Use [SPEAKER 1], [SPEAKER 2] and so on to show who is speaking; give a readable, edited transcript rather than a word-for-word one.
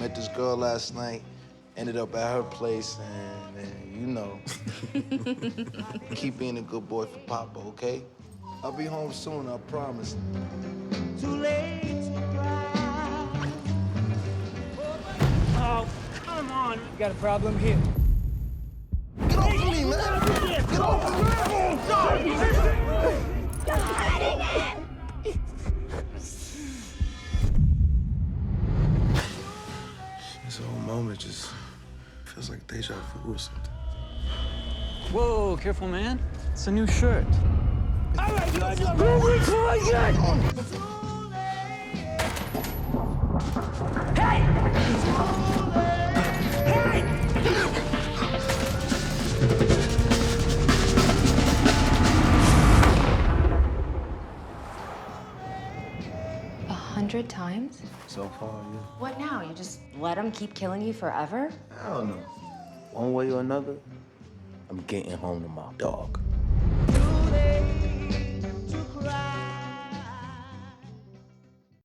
[SPEAKER 1] met this girl last night, ended up at her place, and you know, keep being a good boy for Papa, okay? I'll be home soon, I promise.
[SPEAKER 2] Too late to cry. Oh, come on. You got a problem here.
[SPEAKER 1] Get off of me, man! Get off of me! This whole moment just feels like deja vu or something.
[SPEAKER 3] Whoa, careful, man. It's a new shirt.
[SPEAKER 4] A 100 times?
[SPEAKER 1] So far, yeah.
[SPEAKER 4] What now? You just let him keep killing you forever?
[SPEAKER 1] I don't know. One way or another, I'm getting home to my dog.
[SPEAKER 2] Too late.